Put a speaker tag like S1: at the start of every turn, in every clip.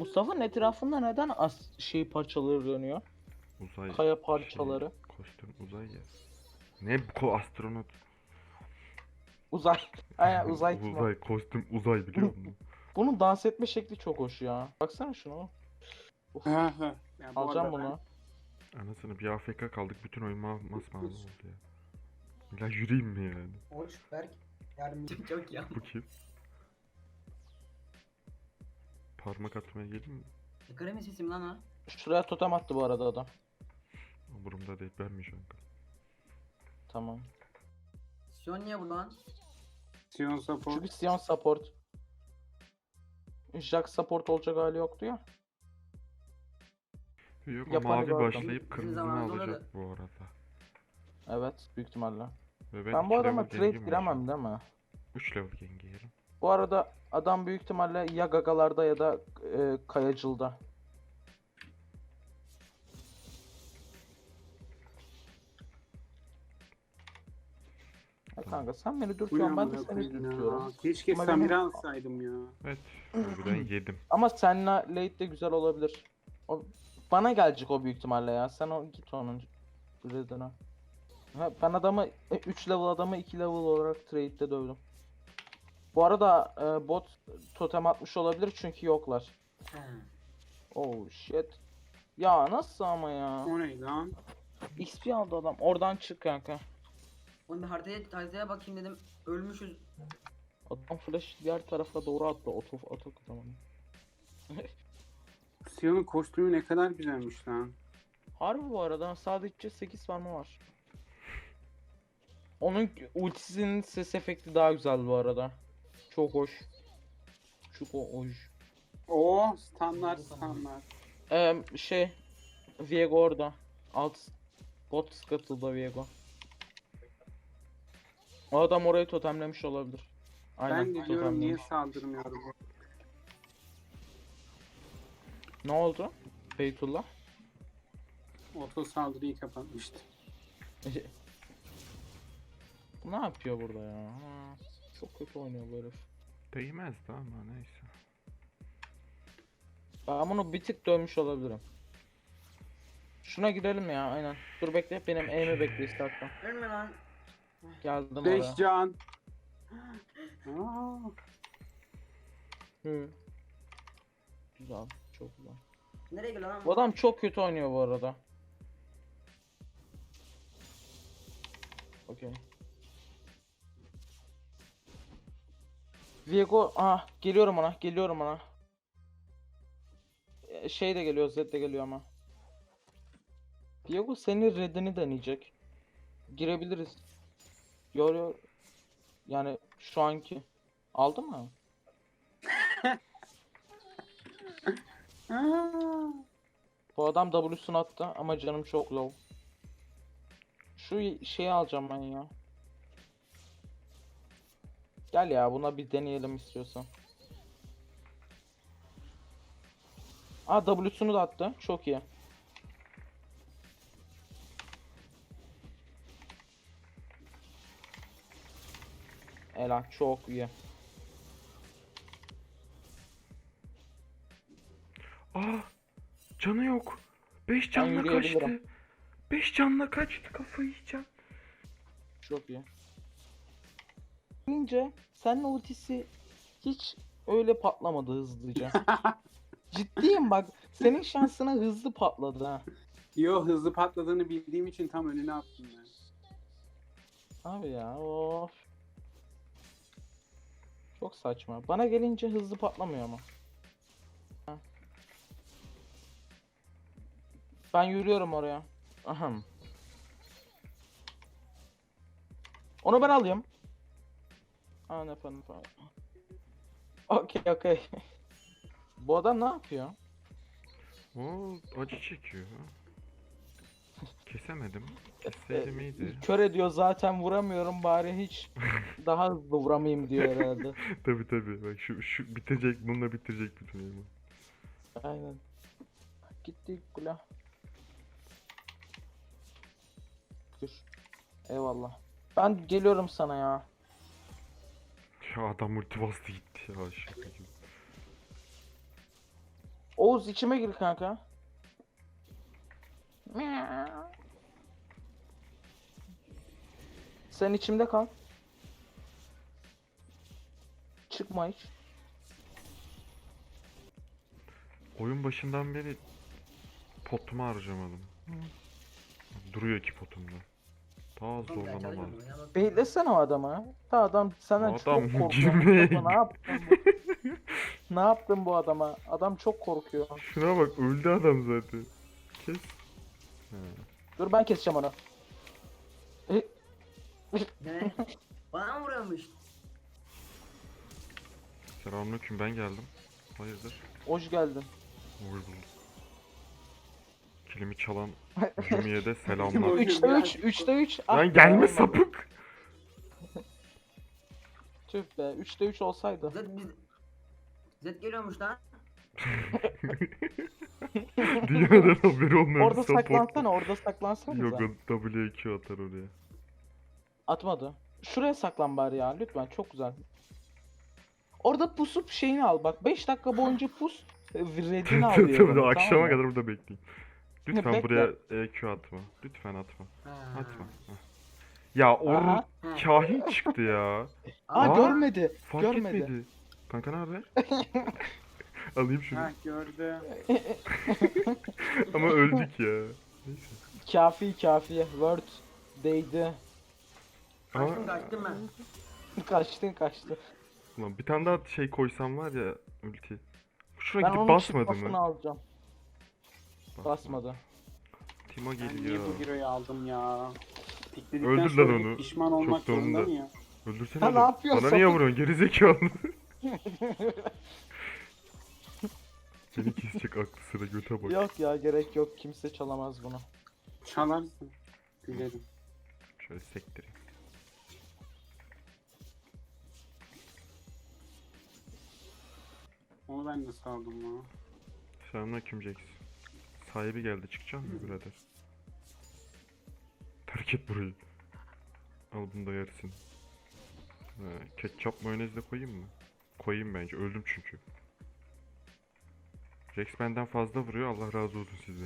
S1: Mustafa'nın etrafında neden parçaları dönüyor?
S2: Uzay
S1: Kaya parçaları.
S2: kostüm uzay ya. Ne bu astronot?
S1: Uzay. Aynen uzay timo.
S2: Uzay kostüm uzay biliyor musun?
S1: Bunun dans etme şekli çok hoş ya. Baksana şuna. Uf,
S3: Ya bu
S1: alacağım
S3: arada
S1: bunu.
S2: Anasını bir AFK kaldık bütün oyun masmavi oldu ya. Ya yürüyeyim mi yani?
S4: Hoş Berk. Yardımcı çok ya.
S2: Bu kim? Parmak atmaya gelin mi?
S4: Kremi sesim lan o.
S1: Şuraya totem attı bu arada adam.
S2: Umurumda değil ben mi şu an?
S1: Tamam.
S4: Sion niye bu lan?
S3: Sion support.
S1: Çünkü Sion support. Jack support olacak hali yoktu ya.
S2: Yok o
S1: Yapanı
S2: mavi
S1: gördüm.
S2: başlayıp
S4: Bizim
S2: kırmızını
S4: zamanımızda
S2: alacak
S4: oluyordu.
S2: bu arada.
S1: Evet büyük ihtimalle.
S2: Ve
S1: Ben bu
S2: iki
S1: adama
S2: level
S1: trade
S2: gengim var şu an.
S1: giremem değil mi?
S2: 3 level gengi yerim.
S1: Bu arada adam büyük ihtimalle ya gagalarda ya da kayacılda. Ya kanka sen beni
S3: Bu ne
S1: dürtüyorsun ben de
S3: amına
S1: seni
S3: koyayım ya.
S1: dürtüyorum.
S3: Keşke
S1: Ama
S3: Samira
S1: benim-
S3: alsaydım ya.
S2: Evet. Harbiden yedim.
S1: Ama seninle late de güzel olabilir. O, bana gelecek o büyük ihtimalle ya. Sen git onun redine. Ben adamı 3 level adamı 2 level olarak trade'de dövdüm. Bu arada bot totem atmış olabilir çünkü yoklar.
S4: He.
S1: Oh shit. Ya nasıl ama ya?
S3: O ne lan?
S1: XP aldı adam. Oradan çık kanka.
S4: Oğlum bir haritaya bakayım dedim. Ölmüşüz.
S1: Adam flash diğer tarafa doğru attı. Oto tamam.
S3: Sion'un kostümü ne kadar güzelmiş lan.
S1: Harbi bu arada sadece 8 farmı var. Onun ultisinin ses efekti daha güzel bu arada. Çok hoş. Çok hoş.
S3: Oo standart standart.
S1: Viego orada. Alt bot katıldı Viego. O adam orayı totemlemiş olabilir. Aynen
S3: Ben de diyorum niye
S1: totemlemiş.
S3: saldırmıyor bu?
S1: Ne oldu? Beytullah.
S3: Oto saldırıyı kapatmıştı.
S1: Bu ne yapıyor burada ya? Ha, çok kötü oynuyor bu herif.
S2: Değmezdi ama neyse.
S1: Ben bunu bir tık dövmüş olabilirim. Şuna gidelim ya aynen. Dur bekle benim aim'i bekle istersen.
S4: Ölme lan.
S1: Geldim
S3: 5
S1: oraya.
S3: can. Aa,
S1: Hı. Güzel, çok güzel.
S4: Nereye gidiyor lan?
S1: Bu adam çok kötü oynuyor bu arada. Okey. Viego, geliyorum ona. Şey de geliyor, Zed de geliyor ama. Viego senin redini deneyecek. Girebiliriz. Yo. Yani şu anki. Aldı mı?
S3: aa.
S1: Bu adam W'sunu attı ama canım çok low. Şu şeyi alacağım ben ya. Gel ya buna bir deneyelim istiyorsan. W'sunu da attı. Çok iyi. Helal çok iyi.
S2: Canı yok. 5 canla
S1: yürüyebilirim.
S2: kaçtı. 5 canla kaçtı kafayı yiyeceğim.
S1: Çok iyi. Deyince senin ultisi hiç öyle patlamadı hızlıca. Ciddiyim bak. Senin şansına hızlı patladı ha.
S3: Yo hızlı patladığını bildiğim için tam önüne attım ben.
S1: Abi ya of. Çok saçma. Bana gelince hızlı patlamıyor ama. Ha. Ben yürüyorum oraya. Ahem. Onu ben alayım. Ne falan. Okey. Bu adam ne yapıyor?
S2: Oo acı çekiyor. Kesemedim. Kesseydim iyiydi.
S1: Kör ediyor zaten vuramıyorum bari hiç daha hızlı vuramayayım diyor herhalde.
S2: Tabi bak şu bitecek bununla bitirecek bütün oyunu.
S1: Aynen. Gitti kula. Dur. Eyvallah. Ben geliyorum sana ya.
S2: Ya adam multi bastı gitti ya şaka gibi.
S1: Oğuz içime gir kanka. Sen içimde kal. Çıkma hiç.
S2: Oyun başından beri potumu harcamadım. Duruyor ki potumda. Daha
S4: Oğlum ben
S2: zorlamam lazım.
S4: çalışmıyorum ya, bak.
S1: Beklesene o adama. Da adam senden
S2: Adam
S1: çok korkuyor.
S2: girmeye
S1: Mustafa, ne yaptın bu? Ne yaptın bu adama? Adam çok korkuyor.
S2: Şuna bak, öldü adam zaten. Kes. Ha.
S1: Dur ben keseceğim onu.
S4: Ne? Bana mı vuruyormuş?
S2: Selamünaleyküm, ben geldim. Hayırdır?
S1: Hoş geldin.
S2: Hoş bulduk. Kilimi çalan Jumi'ye de selamlar.
S1: 3'te 3, 3'te 3.
S2: Lan gelme sapık.
S1: Tüh be, 3'te 3 olsaydı.
S4: Zed geliyormuş lan.
S2: Dünyadan haberi olmayan
S1: Orada
S2: support.
S1: saklansana, orada saklansana.
S2: Yok, o W2 atar oraya.
S1: Atmadı. Şuraya saklan bari ya, lütfen, çok güzel. Orada pusup şeyini al bak, 5 dakika boyunca pus, redini al diyor.
S2: Tabii
S1: bana,
S2: akşama
S1: tamam mı?
S2: kadar burada bekleyin. Lütfen
S1: Bekle.
S2: buraya EQ atma. Lütfen atma.
S4: Ha.
S2: Atma. Heh. Ya or
S1: Aha.
S4: Ha.
S2: kahin çıktı ya.
S1: Aa,
S2: Aa,
S1: görmedi.
S2: Fark
S1: görmedi.
S2: etmedi. Kanka ne haber? Alayım şunu.
S3: Ha gördü.
S2: Ama öldük ya. Neyse.
S1: Kafi kafi. Word değdi.
S4: Kaçtım kaçtım ben.
S1: Kaçtı.
S2: Ulan bir tane daha şey koysam var ya, ulti. Şuna
S1: Ben
S2: gidip
S1: onun
S2: basmadı
S1: çıkmasını
S2: mı?
S1: alacağım. Basmadı.
S2: Timo
S3: Ben niye
S2: geliyor.
S3: bu hero'yu aldım ya? Pikledikten
S2: Öldür lan
S3: sonra
S2: onu.
S3: pişman olmak
S2: Çok zorunda.
S3: zorunda mı ya?
S2: Öldürsene
S1: Ha, ne
S2: oğlum.
S1: yapıyorsun
S2: Bana niye
S1: sapık?
S2: vuruyorsun gerizekalı? Seni kesecek aklı sıra, göte bak.
S1: Yok ya, gerek yok, kimse çalamaz bunu.
S3: Çalarsın. Gülerim.
S2: Şöyle sektireyim.
S3: Onu ben nasıl aldım ya?
S2: Selamünaleyküm Jax. Sahibi geldi, çıkacak mı birader? Terk et burayı. Al bunu da yersin. Ketçap mayonez de koyayım mı? Koyayım bence, öldüm çünkü. Jax benden fazla vuruyor, Allah razı olsun sizden.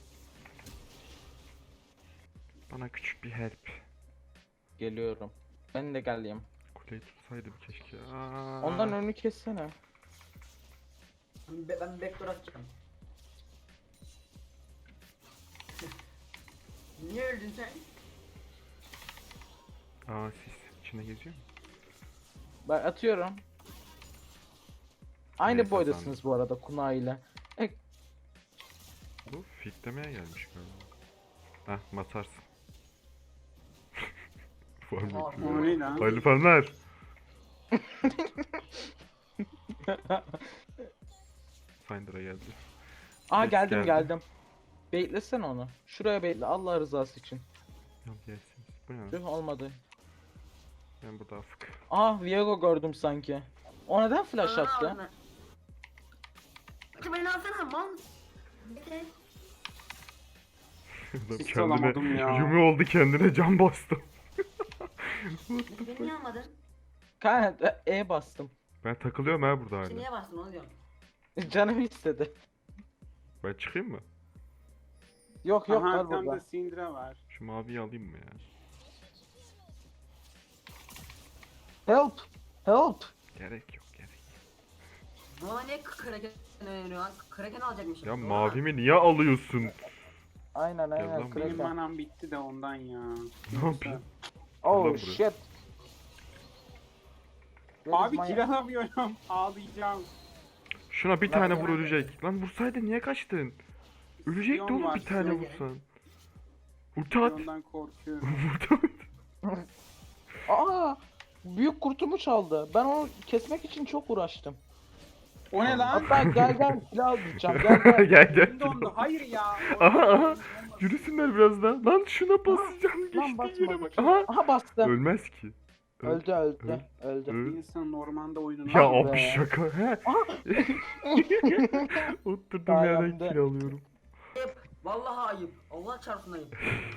S2: Bana küçük bir help.
S1: Geliyorum. Ben de geleyim.
S2: Kuleyi tutsaydım keşke. Aa.
S1: Ondan önünü kessene.
S4: Ben backdoor atacağım. Niye öldün sen?
S2: Aa, siz içinde geziyor mu?
S1: Ben atıyorum. Aynı
S2: Neyse,
S1: boydasınız bu arada Kuna ile.
S2: Bu fitlemeye gelmiş galiba. Heh, matarsın. Var mı?
S4: Aa,
S3: O ne lan?
S2: Hayırlı fanlar. Finder'a geldi.
S1: Aa,
S2: Ses
S1: geldim
S2: geldi.
S1: geldim. Beklesene onu. Şuraya bekle, Allah rızası için.
S2: Yok gelsiniz. Bu ne lan?
S1: Tüh, olmadı.
S2: Ben burada afık.
S1: Aa, Viego gördüm sanki. O neden flash attı?
S4: Hadi beni alsana man. Bekle.
S2: Adam
S3: Hiç
S2: kendine
S3: alamadım ya.
S2: Yumi oldu, kendine can bastı.
S4: Beni niye almadın?
S1: Kanka E bastım.
S2: Ben takılıyorum ha burada
S4: Sen
S2: hala.
S4: niye bastın onu diyorum.
S1: Canım istedi.
S2: Ben çıkayım mı?
S1: Yok yok,
S3: Aha
S1: var
S3: arkamda
S1: burada.
S3: Syndra var.
S2: Şu maviyi alayım mı ya?
S1: Help! Help!
S2: Gerek yok, gerek.
S4: Bana niye Kraken öneriyor lan? Kraken alacakmışım.
S2: Ya
S4: Doğru mu?
S2: mavimi niye alıyorsun?
S1: Aynen
S2: Gel
S1: aynen.
S2: lan
S3: Benim
S1: Kraken.
S3: manam bitti de ondan ya.
S2: Ne yapayım?
S1: Oh
S2: buraya.
S1: shit. Where is
S3: Abi
S1: my-
S3: kill alamıyorum. Ağlayacağım.
S2: Şuna bir
S1: Lan
S2: tane
S1: ya.
S2: vur, ölecek. Lan vursaydın, niye kaçtın? Ölecekti
S3: Sion
S2: oğlum,
S3: var,
S2: bir tane
S4: Sion.
S2: vursan. Ulti at.
S3: Ondan korkuyorum.
S2: Vurdu.
S1: Aa! Büyük kurtumu çaldı. Ben onu kesmek için çok uğraştım.
S3: O ne lan?
S1: Hatta gel silah alacağım. Gel.
S2: Gel gel.
S3: Elim dondu. Hayır ya.
S2: Aha. Yürüsünler biraz daha. Lan şuna basacağım.
S1: Lan
S2: Geçtiği yere
S1: basma.
S2: bak. Aha.
S1: Aha, bastı.
S2: Ölmez ki.
S1: Öldü.
S2: Öl.
S3: Bir insan ormanda oyununu
S2: Ya
S1: Lan be.
S2: abi şaka. He. Oturdum
S1: Sayemde.
S2: yerden kill alıyorum.
S4: Ayıp. Vallahi ayıp. Allah çarpsın ayıp.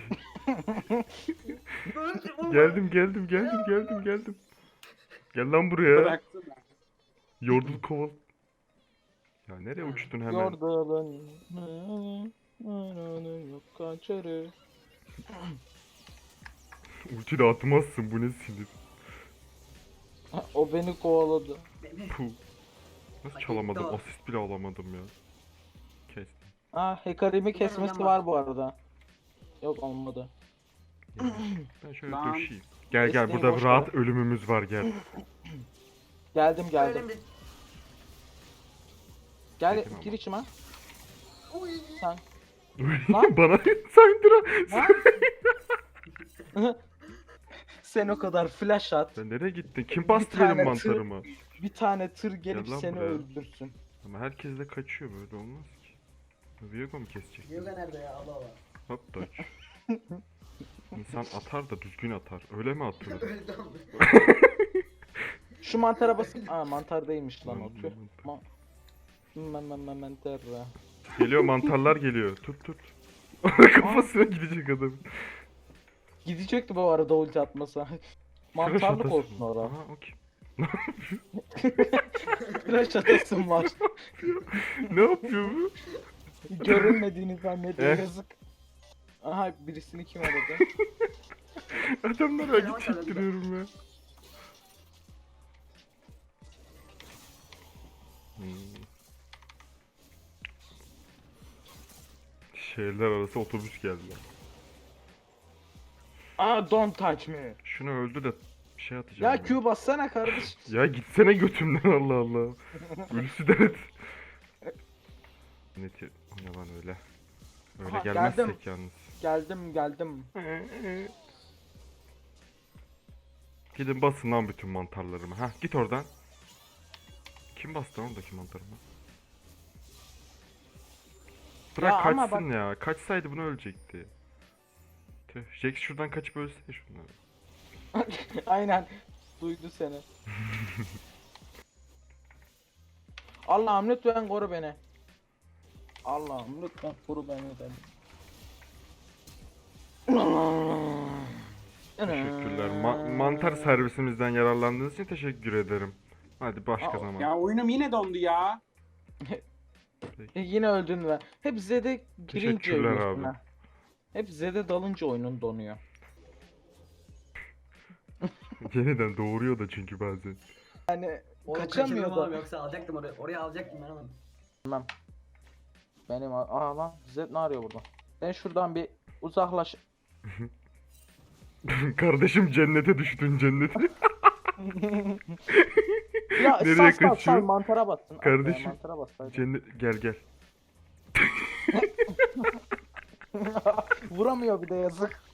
S2: Geldim. Gel lan buraya.
S3: bıraktı da.
S2: Yordul koval. Ya nereye uçtun hemen?
S1: Yordalın. Yok kaçarı.
S2: Ulti de atmazsın, bu ne sinir.
S1: O beni kovaladı.
S2: Puh. Nasıl
S4: Hak
S2: çalamadım?
S4: etti o.
S2: Asist bile alamadım ya. Kestim.
S1: Hekarimi
S4: Bir
S1: kesmesi
S4: tane
S1: var bu arada. Yok olmadı.
S2: Yani ben şöyle
S3: Lan.
S2: döşeyim. Gel gel,
S1: Desteği
S2: burada
S1: boş
S2: rahat ölümümüz var, gel.
S1: Geldim geldim.
S4: Önemli.
S1: Gel
S2: Dedim
S1: gir
S2: ama.
S1: içime.
S4: Uy.
S1: Sen. Lan.
S2: Bana Syndra.
S1: Sen o kadar flash at.
S2: Sen nereye gittin? Kim bastı
S1: Bir tane
S2: benim
S1: tır-
S2: mantarıma?
S1: Bir tane tır gelip
S2: Gel lan
S1: seni
S2: buraya.
S1: öldürsün.
S2: Ama herkes de kaçıyor, böyle olmaz ki. Viego mu kesecek?
S4: Yoga nerede ya? Allah Allah.
S2: Hop dodge. İnsan atar da düzgün atar. Öyle mi atılır?
S4: Öldüm.
S1: Şu mantara basın. Mantar değilmiş lan o
S2: Lan,
S1: tüh.
S2: mantar.
S1: Mantar.
S2: Geliyor, mantarlar geliyor. Tut tut. Kafasına gidecek adam.
S1: Gidecekti bu arada ulti atmasa. Mantarlık
S2: Flash
S1: olsun
S2: atasın.
S1: orada.
S2: Aha, okey.
S1: Flash atasın var.
S2: Ne yapıyor bu?
S1: Görünmediğini zannediyor
S2: Eh.
S1: yazık. Aha birisini kim aradı?
S2: Adamlara
S4: Fena
S2: git çektiriyorum ya. Şehirler arası otobüs geldi.
S1: Don't touch me.
S2: Şunu öldü de şey atacağım.
S1: Ya
S2: ben.
S1: Q bassana kardeş.
S2: Ya gitsene götümden, Allah Allah. Ölüsü dert. Neti, o ne lan öyle. Öyle
S1: Aha,
S2: gelmezsek
S1: geldim.
S2: yalnız.
S1: Geldim.
S2: Gidin basın lan bütün mantarlarımı. Hah, git oradan. Kim bastı oradaki mantarımı? Bırak
S1: Ya ama
S2: kaçsın ya. Kaçsaydı bunu ölecekti. Tüh. Jax şuradan kaçıp ölse şunları.
S1: Aynen. Duydu seni. Allah'ım lütfen koru beni. Allah'ım lütfen koru beni dedim.
S2: Teşekkürler. Mantar servisimizden yararlandığınız için teşekkür ederim. Hadi başka
S1: Aa,
S2: zaman.
S3: Ya oyunum yine dondu ya.
S1: Yine öldün ve hep Z'de girince
S2: Teşekkürler
S1: ölüyorsun
S2: abi.
S1: ha. Hep Z'de dalınca oyunun donuyor.
S2: Yeniden doğuruyor da çünkü bazen.
S1: Yani
S4: Oğlum
S1: kaçamıyor
S4: kaçırdım oğlum,
S1: da.
S4: yoksa alacaktım oraya. Oraya alacaktım ben oğlum.
S1: Benim lan Z ne arıyor burada? Ben şuradan bir uzaklaş.
S2: Kardeşim cennete düştün, cennete.
S1: Ya
S2: Nereye
S1: sal
S2: kaçıyor?
S1: mantara bassın.
S2: Kardeşim,
S1: Mantara bas. hadi.
S2: Cennet, gel gel.
S1: Vuramıyor bir de yazık.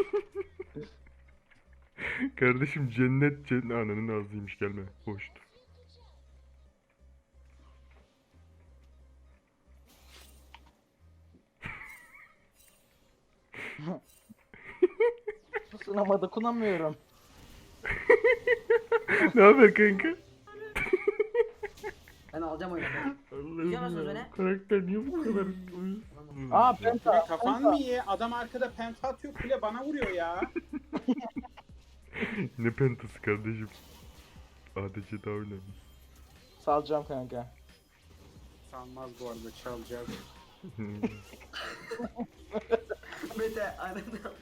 S2: Kardeşim cennet ananın ağzıymış, gelme. Hoştur.
S1: Sınama dokunamıyorum.
S2: Ne haber kanka?
S4: Ben alacağım oyunu.
S2: Allah'ım
S4: Biliyor musunuz
S2: ya,
S4: beni?
S2: karakter niye bu kadar uyuz?
S1: Penta.
S3: Kule kafan mı iyi? Adam arkada penta atıyor, kule bana vuruyor ya.
S2: Ne pentası kardeşim? ADC daha önemli.
S1: Salacağım kanka.
S3: Sanmaz bu arada, çalacak.
S4: Mete ananı.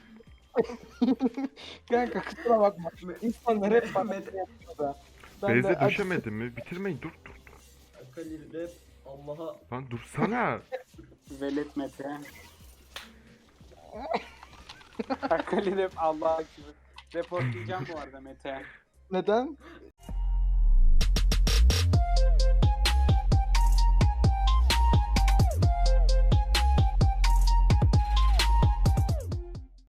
S1: Kanka kusura bakma. İnsanlar hep bana
S4: Mete.
S1: şey yapıyor da. Ben
S2: Beyze
S1: de
S2: düşemedin mi? Bitirmeyin, dur dur.
S4: Akali rap. Allah'a.
S2: Lan dursana.
S3: Velet Mete. Akali rap Allah'a gibi. Reportlayacağım bu arada Mete.
S1: Neden?